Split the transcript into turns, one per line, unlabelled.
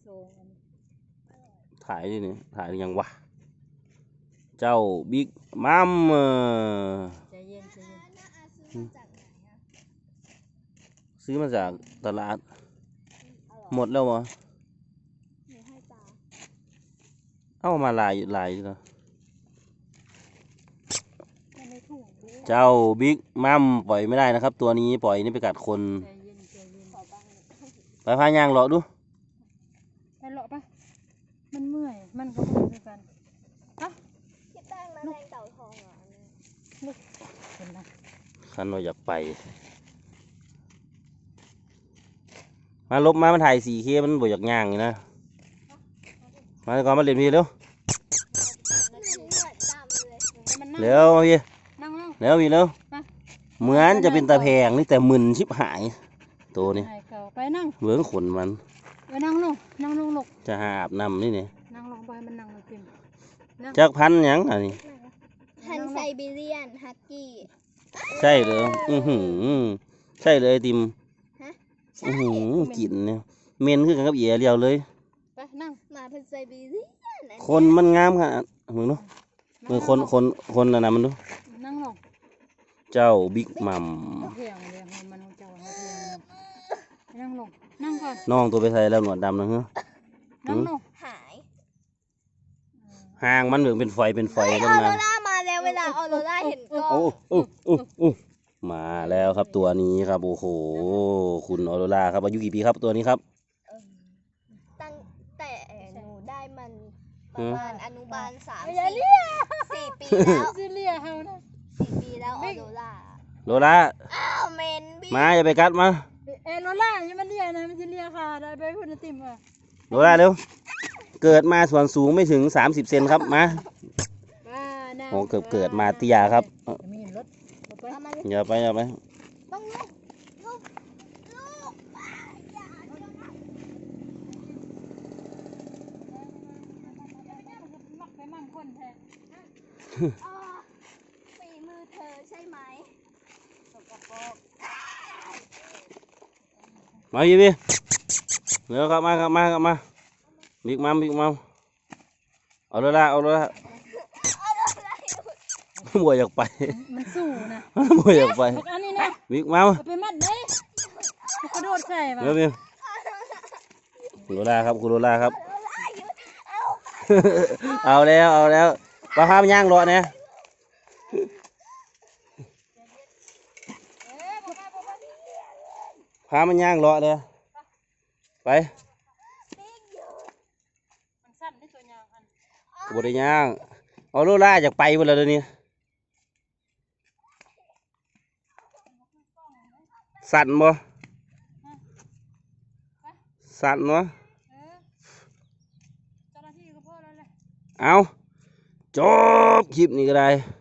ถ่ายดิเนี่ยถ่ายยังวะเจ้าบิ๊กมัม
ใจเย็น
ซื้อมาจากตลาดหมดแล้ววะเอามาลายอยู่นะเจ้าบิ๊กมัมปล่อยไม่ได้นะครับ ตัวนี้ปล่อยนี่ไปกัดคนไปพายางเลาะดู
ไปเลาะปะมันเมื่อยมันก็เมื่อยเหมือนกันปะ
พี่แป้งมาแทงเต่าทองเหรอ
ลูกเห็นไหม
ขันเราอยากไปมาลบมาถ่าย4Kมันบ่อยากย่างอยู่นะมาก่อนมาเรียนพี่เร็วเร็วพี่เร็วพี่เร็วเหมือนจะเป็นตะแพงนี่แต่มึนชิบหายตัวนี้
ไปนั่ง
เบื้องขนมัน
ไปนั่งลงลูก
จะหาอาบน้ำนี่เนี่ย
นั่งลงไปมันนั่งลงกิน
จักพันยังอันนี้
พันไซบีเรียนฮักกี้
ใช่เลยใช่เลยไอติมกลิ่นเนี่ยเมนคือกันกับเอียเรียวเลย
ไปนั่ง
มาพันไซบีเรียน
คนมันงามขนาดมึงดูมือคนนะมันดู
นั่งลง
เจ้าบิ๊กมัม
เพียงเดียวมันเจ้าเพียงนั่งลงนั่งก่อน
น้องตัวไปใส่แล้วหนวดดำนะฮะ
นั่งลง
หาย
ห่างมันเหมือนเป็นไฟ
แล้วนะออโรรามาแล้วเวลาออโรราเห็นกล้อง
มาแล้วครับตัวนี้ครับโอ้โหคุณออโรราครับอายุกี่ปีครับตัวนี้ครับ
ตั้งแต่หนูได้มันประมาณอนุบาล3-4 ปีแล้ว
ซีเรียเฮานะ
4 ปีแล้วออโร
รา
อ้าวเมนบี้
มาอย่าไปกัดมา
โรล่ายังมันเรียนะมันซีเรียค่ะได้ไปพูดติ่มอ่ะ
โรล่าเร็วเกิดมาส่วนสูงไม่ถึง30 เซนครับมาโอ้เกิดมาเตี้ยครับอย่าไป
ต้องลูกฝีมือเธอใช่ไหม
มาพี่เร็วครับมาบิ๊กมัมเอาโรล่าบัวอยากไป
มันสู้นะ
บัวอยากไป
อันนี้นะ
บิ๊กมัม
ไปมัดได้กระโดดใส่
เร็วพี่คุณโรล่าครับเอาแล้วปลาพามย่างรอเนี่ยพามันย่างรอเนี่ยไปบริย่างเอาโรล่าอยากไปหมดแล้วเดี๋ยวนี้สั่นบ่เอาจบคลิปนี้ก็ได้